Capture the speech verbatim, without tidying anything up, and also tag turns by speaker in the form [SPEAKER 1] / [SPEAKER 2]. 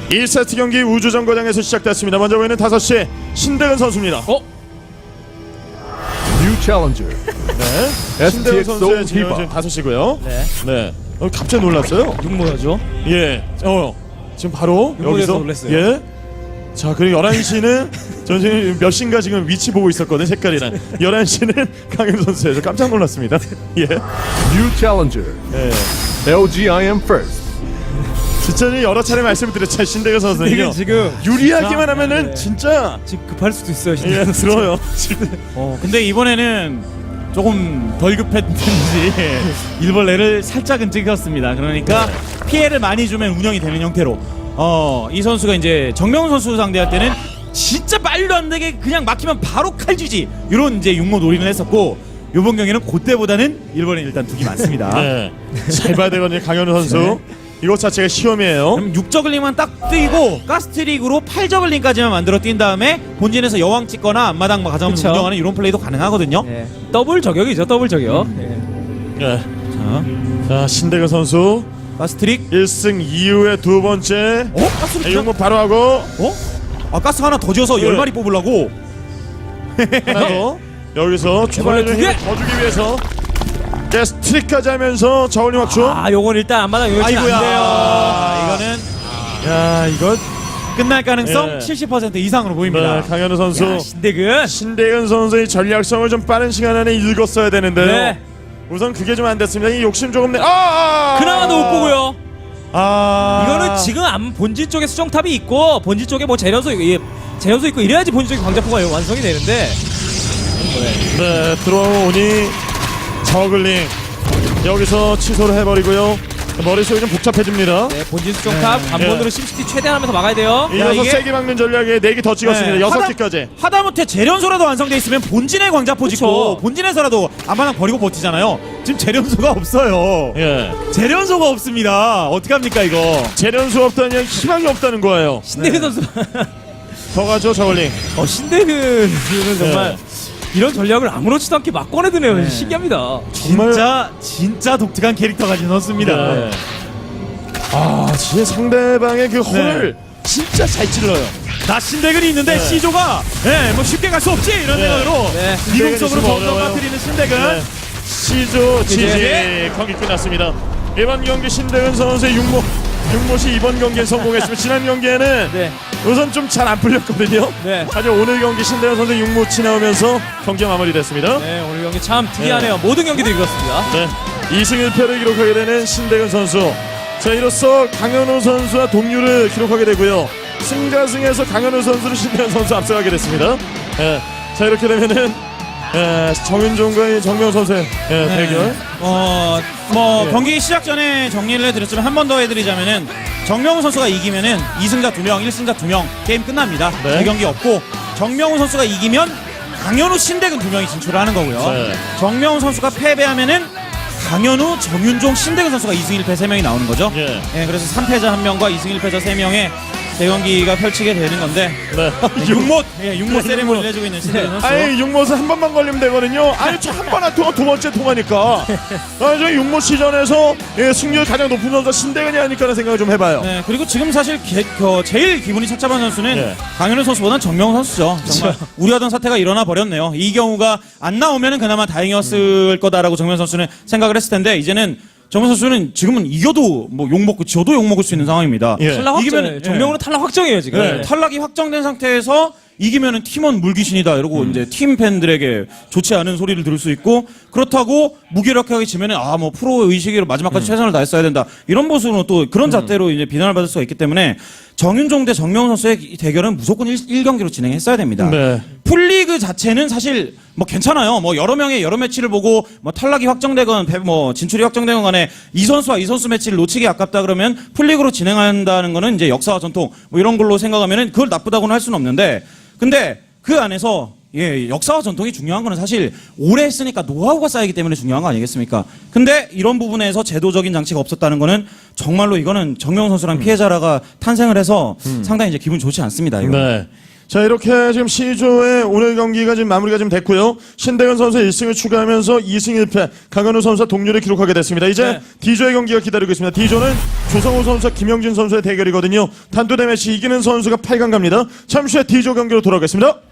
[SPEAKER 1] 일 세트 경기 우주정거장에서 시작됐습니다. 먼저 보이는 다섯 시 신대근 선수입니다.
[SPEAKER 2] 어?
[SPEAKER 3] New challenger.
[SPEAKER 1] 네. 신대근 선수의
[SPEAKER 3] 에스티엑스
[SPEAKER 1] 지금
[SPEAKER 3] 히바.
[SPEAKER 1] 다섯 시고요.
[SPEAKER 2] 네.
[SPEAKER 1] 네. 어, 갑자기 놀랐어요.
[SPEAKER 2] 육모야죠.
[SPEAKER 1] 예. 어. 지금 바로
[SPEAKER 2] 육모에서
[SPEAKER 1] 여기서
[SPEAKER 2] 놀랐어요.
[SPEAKER 1] 예. 자, 그리고 열한 시는 전 지금 몇 시인가 지금 위치 보고 있었거든요. 색깔이랑. 열한 시는 강현 선수에서 깜짝 놀랐습니다. 예.
[SPEAKER 3] New challenger.
[SPEAKER 1] 예.
[SPEAKER 3] 엘지 I am first.
[SPEAKER 1] 진짜 여러 차례 말씀을 드렸죠. 신대근 선수는요.
[SPEAKER 2] 이게 지금
[SPEAKER 1] 유리하기만
[SPEAKER 2] 진짜?
[SPEAKER 1] 하면은
[SPEAKER 2] 네.
[SPEAKER 1] 진짜
[SPEAKER 2] 지금 급할 수도 있어요.
[SPEAKER 1] 예,
[SPEAKER 2] 진짜.
[SPEAKER 1] 들어요. 지금
[SPEAKER 4] 어, 근데 이번에는 조금 덜 급했는지 일벌레를 살짝은 찍었습니다. 그러니까 피해를 많이 주면 운영이 되는 형태로 어, 이 선수가 이제 정명훈 선수 상대할 때는 진짜 말도 안 되게 그냥 막히면 바로 칼쥐지 이런 이제 육모 놀이를 했었고 이번 경기는 그때보다는 일본에 일단 둑이 많습니다.
[SPEAKER 1] 네. 잘 봐야 되거든요. 강현우 선수.
[SPEAKER 4] 네.
[SPEAKER 1] 이것 자체가 시험이에요.
[SPEAKER 4] 그럼 육 저글링만 딱 뛰고 가스트릭으로 팔 저글링까지만 만들어 뛴 다음에 본진에서 여왕 찍거나 앞마당 가자면서
[SPEAKER 2] 그쵸.
[SPEAKER 4] 운영하는 이런 플레이도 가능하거든요.
[SPEAKER 2] 네. 더블 저격이죠. 더블 저격. 네.
[SPEAKER 1] 네.
[SPEAKER 4] 자,
[SPEAKER 1] 자, 신대근 선수
[SPEAKER 4] 가스트릭.
[SPEAKER 1] 일 승 이후에 두 번째.
[SPEAKER 4] 어? 가스를
[SPEAKER 1] 네,
[SPEAKER 4] 그냥-
[SPEAKER 1] 이거 바로 하고
[SPEAKER 4] 어? 아 가스 하나 더 지어서
[SPEAKER 1] 네.
[SPEAKER 4] 열 마리 뽑으려고.
[SPEAKER 1] 하나 더. 여기서 추가적인
[SPEAKER 2] 두 개.
[SPEAKER 1] 힘을 더 주기 위해서 게스트릭까지 하면서 저울링 확충.
[SPEAKER 2] 아, 요건 일단 안마당 요즘 안
[SPEAKER 4] 아이고야.
[SPEAKER 2] 돼요.
[SPEAKER 4] 아, 이거는
[SPEAKER 1] 야, 이거
[SPEAKER 4] 끝날 가능성
[SPEAKER 1] 예.
[SPEAKER 4] 칠십 퍼센트 이상으로
[SPEAKER 1] 네,
[SPEAKER 4] 보입니다.
[SPEAKER 1] 강현우 선수.
[SPEAKER 2] 야, 신대근.
[SPEAKER 1] 신대근 선수의 전략성을 좀 빠른 시간 안에 읽었어야 되는데요.
[SPEAKER 2] 네.
[SPEAKER 1] 우선 그게 좀 안 됐습니다. 이 욕심 조금 내. 아! 아!
[SPEAKER 2] 그나마도 못 보고요.
[SPEAKER 1] 아.
[SPEAKER 2] 이거는 지금 안 본진 쪽에 수정탑이 있고 본진 쪽에 뭐 재련소 예, 재련소 있고 이래야지 본진 쪽에 광자포가 완성이 되는데.
[SPEAKER 1] 네, 들어오니 저글링 여기서 취소를 해버리고요. 머릿속이 좀 복잡해집니다.
[SPEAKER 2] 네, 본진 수정탑 관문으로
[SPEAKER 1] 예.
[SPEAKER 2] 심시티 최대한 하면서 막아야 돼요.
[SPEAKER 1] 이어서
[SPEAKER 4] 이게-
[SPEAKER 1] 세게 막는 전략에 네 개 더 찍었습니다.
[SPEAKER 4] 네,
[SPEAKER 1] 여섯
[SPEAKER 4] 하다-
[SPEAKER 1] 개까지.
[SPEAKER 4] 하다못해 재련소라도 완성돼 있으면 본진의 광자포 짓고
[SPEAKER 2] 그쵸.
[SPEAKER 4] 본진에서라도 앞마당 버리고 버티잖아요. 지금 재련소가 없어요.
[SPEAKER 1] 예.
[SPEAKER 4] 재련소가 없습니다. 어떡합니까 이거?
[SPEAKER 1] 재련수 없다는 희망이 없다는 거예요.
[SPEAKER 2] 신대근 선수.
[SPEAKER 1] 더 가죠, 저글링.
[SPEAKER 2] 어, 신대근은 정말
[SPEAKER 1] 네.
[SPEAKER 2] 이런 전략을 아무렇지도 않게 막 꺼내드네요. 신기합니다.
[SPEAKER 1] 정말-
[SPEAKER 4] 진짜 진짜 독특한 캐릭터 가진 선수입니다.
[SPEAKER 1] 네. 아, 진짜 상대방의 그 홀을 진짜 잘 찔러요.
[SPEAKER 4] 나 신대근이 있는데
[SPEAKER 1] 네.
[SPEAKER 4] C조가 예, 뭐 쉽게 갈 수 없지 이런
[SPEAKER 1] 네.
[SPEAKER 4] 생각으로
[SPEAKER 2] 네.
[SPEAKER 4] 이공적으로
[SPEAKER 1] 신대근이
[SPEAKER 4] 점점
[SPEAKER 1] 어려워요.
[SPEAKER 4] 빠뜨리는 신대근.
[SPEAKER 1] 네. 시조 지지
[SPEAKER 2] 이제-
[SPEAKER 1] 경기 끝났습니다. 이번 경기 신대근 선수의 육모 육모시 이번 경기에 성공했으면 지난 경기에는
[SPEAKER 2] 네.
[SPEAKER 1] 우선 좀 잘 안 풀렸거든요.
[SPEAKER 2] 네.
[SPEAKER 1] 하지만 오늘 경기 신대근 선수 육모치 나오면서 경기가 마무리됐습니다.
[SPEAKER 2] 네, 오늘 경기 참 특이하네요. 모든 경기도 이렇습니다.
[SPEAKER 1] 네. 이 승 일 패를 기록하게 되는 신대근 선수. 자, 이로써 강현우 선수와 동률을 기록하게 되고요. 승자승에서 강현우 선수를 신대근 선수 앞서가게 됐습니다. 예. 자, 이렇게 되면은 예, 정윤종과 정명 선수의 예,
[SPEAKER 4] 네.
[SPEAKER 1] 대결.
[SPEAKER 4] 어, 뭐
[SPEAKER 1] 네.
[SPEAKER 4] 경기 시작 전에 정리를 해드렸지만 한 번 더 해드리자면은 정명훈 선수가 이기면은 이 승자 두 명, 일 승자 두 명 게임 끝납니다.
[SPEAKER 1] 네.
[SPEAKER 4] 재경기 없고 정명훈 선수가 이기면 강현우, 신대근 두 명이 진출을 하는 거고요.
[SPEAKER 1] 네.
[SPEAKER 4] 정명훈 선수가 패배하면은 강현우, 정윤종, 신대근 선수가 이 승 일 패 세 명이 나오는 거죠.
[SPEAKER 1] 예.
[SPEAKER 4] 예, 그래서 삼 패자 한 명과 이 승 일 패자 세 명의 대경기가 펼치게 되는 건데
[SPEAKER 1] 네.
[SPEAKER 4] 육못, 예, 육못
[SPEAKER 1] 네,
[SPEAKER 4] 세레모니를
[SPEAKER 1] 육못.
[SPEAKER 4] 해주고 있는 신대근 선수.
[SPEAKER 1] 아니 육모스 한 번만 걸리면 되거든요. 아니 저 한 번 안 통하 두 번째 통하니까. 아니 저 육모 시전에서 예, 승률 가장 높은 선수가 신대근이 아닐까라는 생각을 좀 해봐요.
[SPEAKER 4] 네, 그리고 지금 사실 게, 그, 제일 기분이 착잡한 선수는
[SPEAKER 1] 네.
[SPEAKER 4] 강현우 선수보다는 정명훈 선수죠. 정말 우려하던 사태가 일어나 버렸네요. 이 경우가 안 나오면은 그나마 다행이었을 거다라고 정명훈 선수는 생각을 했을 텐데 이제는 정명훈 선수는 지금은 이겨도 뭐 욕먹고 지어도 욕먹을 수 있는 상황입니다.
[SPEAKER 1] 예.
[SPEAKER 2] 탈락 확정.
[SPEAKER 4] 이기면은-
[SPEAKER 2] 정명훈은 탈락 확정이에요 지금.
[SPEAKER 4] 네, 탈락이 확정된 상태에서 이기면은 팀원 물귀신이다 이러고 이제 팀 팬들에게 좋지 않은 소리를 들을 수 있고 그렇다고 무기력하게 지면은 아 뭐 프로 의식으로 마지막까지 최선을 다했어야 된다 이런 모습으로 또 그런 잣대로 이제 비난을 받을 수가 있기 때문에 정윤종 대 정명훈 선수의 이 대결은 무조건 일 경기로 진행했어야 됩니다.
[SPEAKER 1] 네.
[SPEAKER 4] 풀리그 자체는 사실 뭐 괜찮아요. 뭐 여러 명의 여러 매치를 보고 뭐 탈락이 확정되건 배- 뭐 진출이 확정되건 간에 이 선수와 이 선수 매치를 놓치기 아깝다 그러면 풀리그로 진행한다는 거는 이제 역사와 전통 뭐 이런 걸로 생각하면은 그걸 나쁘다고는 할 수는 없는데 근데 그 안에서 예, 역사와 전통이 중요한 거는 사실 오래 했으니까 노하우가 쌓이기 때문에 중요한 거 아니겠습니까? 근데 이런 부분에서 제도적인 장치가 없었다는 거는 정말로 이거는 정명훈 선수랑 피해자라가 탄생을 해서 상당히 이제 기분 좋지 않습니다. 이거.
[SPEAKER 1] 네. 자, 이렇게 지금 C조의 오늘 경기가 지금 마무리가 좀 됐고요. 신대근 선수 일 승을 추가하면서 이 승 일 패, 강현우 선수와 동률을 기록하게 됐습니다. 이제
[SPEAKER 2] 네.
[SPEAKER 1] D조의 경기가 기다리고 있습니다. D조는 조성호 선수와 김영진 선수의 대결이거든요. 단두대 매치 이기는 선수가 팔 강 갑니다. 잠시 후에 D조 경기로 돌아오겠습니다.